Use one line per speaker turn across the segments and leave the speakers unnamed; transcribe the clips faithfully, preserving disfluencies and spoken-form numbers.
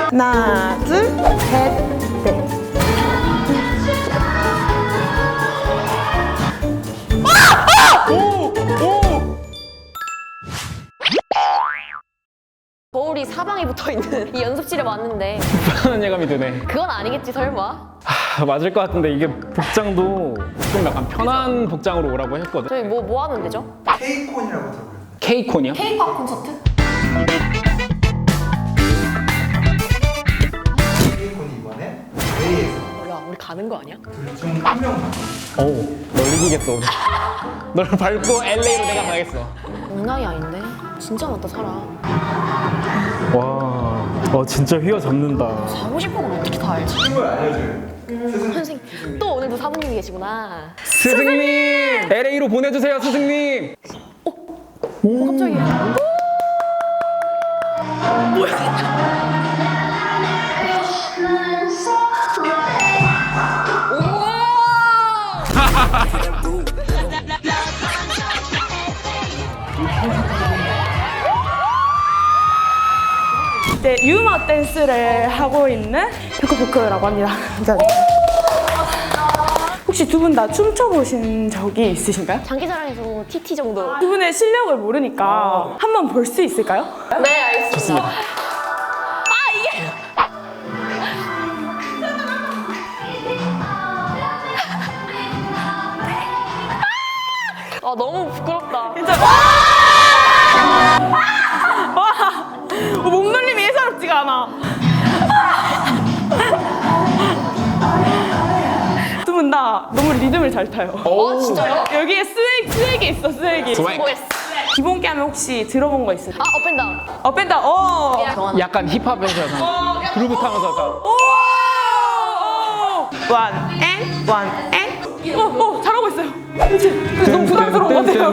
하나, 둘, 셋, 넷.
거울이 사방에 붙어있는 이 연습실에 왔는데
불안한 예감이 드네.
그건 아니겠지 설마?
하, 맞을 것 같은데 이게 복장도 좀 약간 편한 복장으로 오라고 했거든.
저희 뭐, 뭐 하는 데죠?
K콘이라고 들어요.
K콘이요?
K-팝 콘서트?
K콘이 이번에 J에서
야 우리 가는 거 아니야?
둘 중 한 명만
어우, 널 이기겠어. 널 밟고 엘에이로 내가 가겠어.
장난이 아닌데? 진짜 많다 사람.
와, 어 진짜 휘어잡는다.
가고 싶은 걸 어떻게 다 알지?
친구를 알려줘요. 스승님.
선생님 또 오늘도 사부님이 계시구나.
스승님! 엘에이로 보내주세요, 스승님!
어, 깜짝이야.
이제 유머 댄스를 하고 있는 포크포크라고 합니다. 감사합니다. 혹시 두 분 다 춤춰보신 적이 있으신가요?
장기자랑에서 티티 정도.
두 분의 실력을 모르니까 한번 볼 수 있을까요?
네 알겠습니다.
좋습니다.
아 이게 아 너무 부끄럽다.
진짜 와! 와! 어, 몸놀림이 예사롭지가 않아. 두 분 다 너무 리듬을 잘 타요.
아 진짜요?
여기에 스웩, 스웩이 있어, 스웩이.
스웩.
뭐했어?
기본기 하면 혹시 들어본 거 있어요?
아 업앤다운.
업앤다운, 어!
정하나.
약간 힙합에서 약간 그루브 타면서 약간
오! 원, 앤, 원, 앤. 어, 어, 잘하고 있어요. 그치? 너무 부담스러운 것 같아요.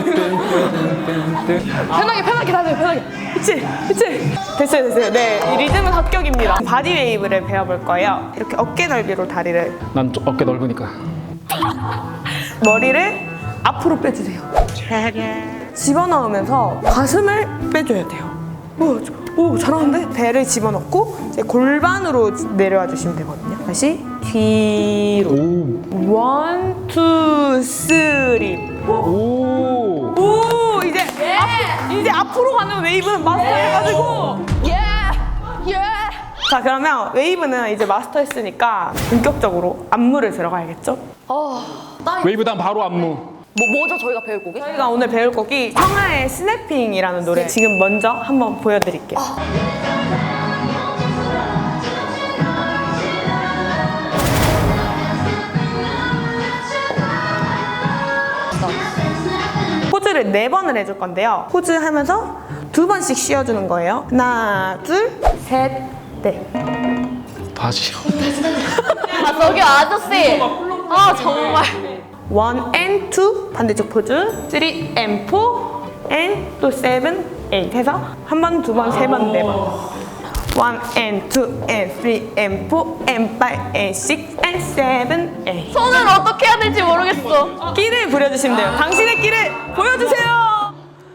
편하게, 편하게 다녀요, 편하게. 그치? 그치? 됐어요, 됐어요. 네, 이 리듬은 합격입니다. 바디 웨이브를 배워볼 거예요. 이렇게 어깨 넓이로 다리를,
난 좀 어깨 넓으니까.
머리를 앞으로 빼주세요. 집어넣으면서 가슴을 빼줘야 돼요. 오, 저- 오 잘하는데? 배를 집어넣고 이제 골반으로 내려와 주시면 되거든요. 다시 뒤로.
오,
원, 투, 쓰리.
오.
오, 이제 앞, 이제 앞으로 가는 웨이브는 마스터해가지고.
예! 예!
자, 그러면 웨이브는 이제 마스터했으니까 본격적으로 안무를 들어가야겠죠?
어, 땀이
웨이브 다음 바로 안무.
뭐, 뭐죠 저희가 배울 곡이?
저희가 오늘 배울 곡이 청하의 스냅핑이라는 노래 지금 먼저 한번 보여드릴게요. 포즈를 네 번을 해줄 건데요. 포즈 하면서 두 번씩 쉬어주는 거예요. 하나, 둘, 셋, 넷.
다시요.
아 저기 아저씨! 아 정말
원 and two 반대쪽 포즈. 쓰리 and four and 또 seven, eight 해서 한 번, 두 번, 세 번, 네 번. one and two and three and four and five and six and seven, eight.
손을 어떻게 해야 될지 모르겠어.
끼를 부려주시면 돼요. 당신의 끼를 보여주세요.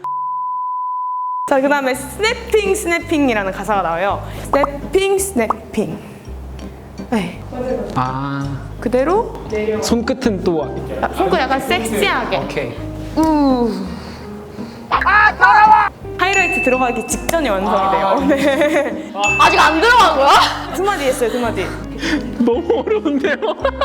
자, 그 다음에 스냅핑 스냅핑이라는 가사가 나와요. 스냅핑 스냅핑. 네,
아,
그대로
손끝은 또.
아, 손끝 약간 섹시하게.
오케이.
하이라이트 들어가기 직전에 완성이 돼요. 네.
아직 안 들어간 거야?
두 마디 했어요, 두 마디.
너무 어려운데요?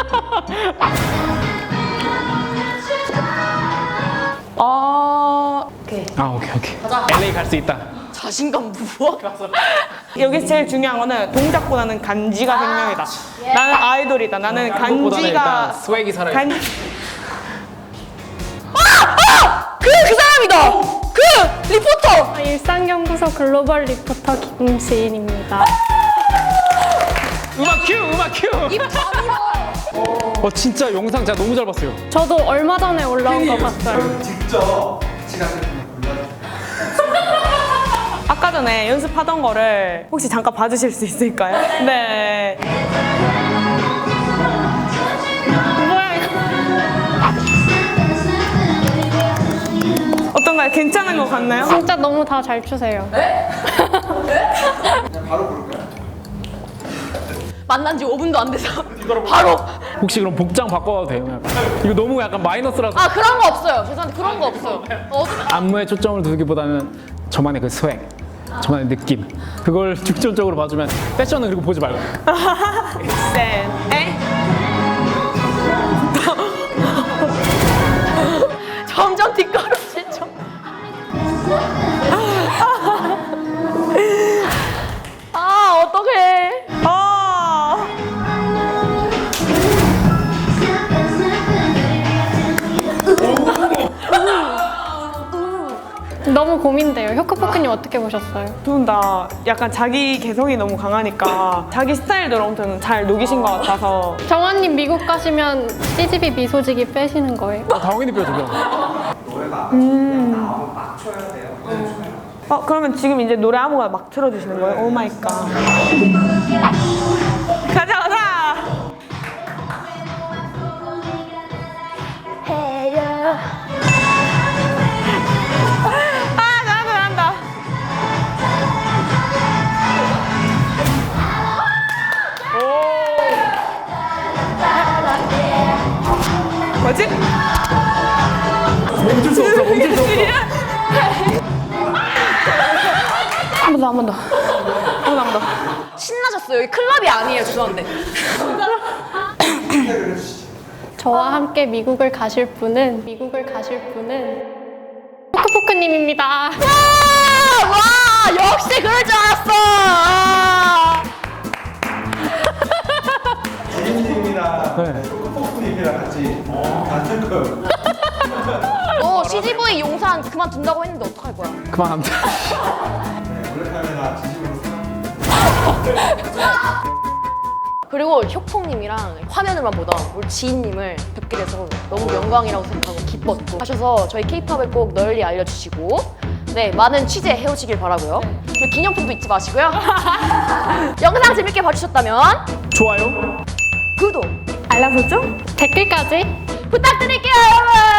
어, 오케이.
아, 오케이, 오케이. 엘에이 갈 수 있다.
자신감 무엇?
여기서 제일 중요한 거는 동작보다는 간지가 생명이다. 나는 아이돌이다. 나는
보다는
간지가
일단 스웩이 살아야
간...
그! 그 사람이다! 그! 리포터!
일상연구소 글로벌 리포터 김지인입니다.
음악 큐! 음악 큐!
입 다물어!
어, 진짜 영상 제가 너무 잘 봤어요.
저도 얼마 전에 올라온 거 봤어요.
직접 지각을 골라주세요.
아까 전에 연습하던 거를 혹시 잠깐 봐주실 수 있을까요? 네. 뭐야 이거? 어떤가요? 괜찮은 것 같나요?
진짜 너무 다 잘 추세요.
그냥 바로 부를까요?
만난 지 오 분도 안 돼서 바로.
혹시 그럼 복장 바꿔도 돼요? 약간. 이거 너무 약간 마이너스라서.
아 그런 거 없어요. 죄송한데 그런 거 없어요. 어,
안무에 초점을 두기보다는 저만의 그 스웩, 저만의 느낌 그걸 중점적으로 봐주면 패션은 그리고 보지 말고.
셋, 넷.
점점 뒷걸음질 좀. 아 어떡해.
아.
너무 고민돼요. 효크포크님 어떻게 보셨어요?
두 분 다 약간 자기 개성이 너무 강하니까 자기 스타일대로 아무튼 잘 녹이신 것 같아서.
정환님 미국 가시면 씨지비 미소지기 빼시는 거예요?
아, 당연히 뼈죠.
노래가 음. 나오면 막 쳐야 돼요.
어 그러면 지금 이제 노래 아무거나 막 틀어주시는 거예요? 오 마이 갓. 가자 가자. 아 잘한다 잘한다. 오. 뭐지?
멈출 수 없어. 멈출 수 없어.
한 번 더, 한 번 더. 한 번 더, 한 번 더.
신나셨어요. 여기 클럽이 아니에요. 죄송한데.
저와 함께 미국을 가실 분은 미국을 가실 분은 효크포크님입니다.
와, 와 역시 그럴 줄 알았어. 아.
지인님이랑
네.
포크님이랑 같이 같은 거.
너 씨지브이 용산 그만둔다고 했는데 어떡할 거야?
그만하면 돼.
네, 원래 카메라 진심으로 생각.
그리고 효콩님이랑 화면으로만 보던 우리 지인님을 뵙게 돼서 너무 영광이라고 생각하고 기뻤고 하셔서 저희 케이팝을 꼭 널리 알려주시고 네 많은 취재 해오시길 바라고요. 그리고 기념품도 잊지 마시고요. 영상 재밌게 봐주셨다면
좋아요.
구독
알람 설정?
댓글까지
부탁드릴게요 여러분.